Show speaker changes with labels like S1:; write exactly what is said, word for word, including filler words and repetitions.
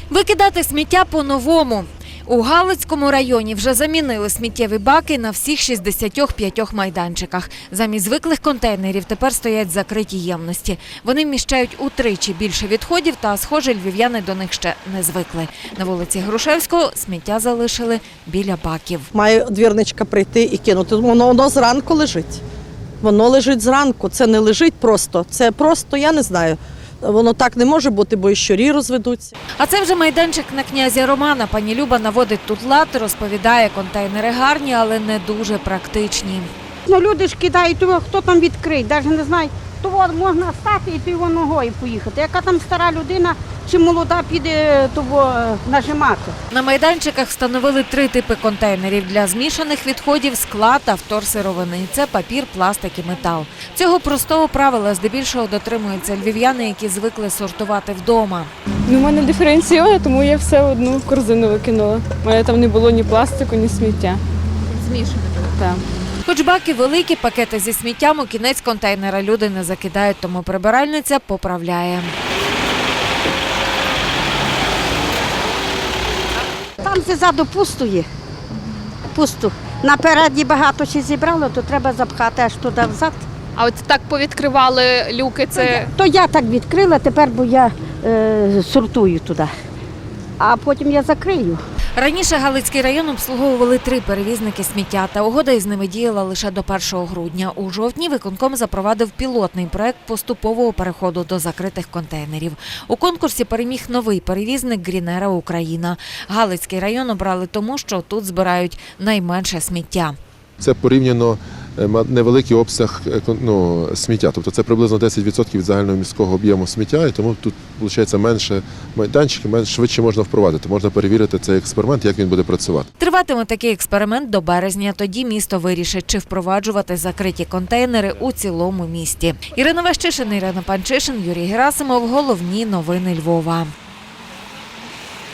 S1: Викидати сміття по-новому. У Галицькому районі вже замінили сміттєві баки на всіх шістдесяти п'ятьох майданчиках. Замість звиклих контейнерів тепер стоять закриті ємності. Вони вміщають утричі більше відходів та, схоже, львів'яни до них ще не звикли. На вулиці Грушевського сміття залишили біля баків.
S2: Має двірничка прийти і кинути. Воно, воно зранку лежить. Воно лежить зранку. Це не лежить просто. Це просто, я не знаю. Воно так не може бути, бо і щурі розведуться.
S1: А це вже майданчик на князя Романа. Пані Люба наводить тут лад, розповідає, контейнери гарні, але не дуже практичні.
S3: Ну, люди ж кидають, того, хто там відкриє, навіть не знаю. То от можна стати і то ногою поїхати. Яка там стара людина чи молода піде того нажимати.
S1: На майданчиках встановили три типи контейнерів для змішаних відходів, скла та вторсировини. Це папір, пластик і метал. Цього простого правила здебільшого дотримуються львів'яни, які звикли сортувати вдома.
S4: Ну, у мене диференційована, тому я все в одну корзину викинула. У мене там не було ні пластику, ні сміття.
S1: Змішане?
S4: Так.
S1: Хоч баки великі, пакети зі сміттям у кінець контейнера люди не закидають, тому прибиральниця поправляє.
S3: Там ззаду пусто є. Пусто. Напереді багато ще зібрало, то треба запхати аж туди взад.
S5: А от так повідкривали люки, це…
S3: То я так відкрила, тепер бо я е, сортую туди. А потім я закрию.
S1: Раніше Галицький район обслуговували три перевізники сміття, та угода із ними діяла лише до першого грудня. У жовтні виконком запровадив пілотний проект поступового переходу до закритих контейнерів. У конкурсі переміг новий перевізник «Грінера Україна». Галицький район обрали тому, що тут збирають найменше сміття.
S6: Це порівняно невеликий обсяг ну, сміття, тобто це приблизно десять відсотків від загального міського об'єму сміття, і тому тут, виходить, менше майданчиків, менш швидше можна впровадити, можна перевірити цей експеримент, як він буде працювати.
S1: Триватиме такий експеримент до березня, тоді місто вирішить, чи впроваджувати закриті контейнери у цілому місті. Ірина Ващишин, Ірина Панчишин, Юрій Герасимов. Головні новини Львова.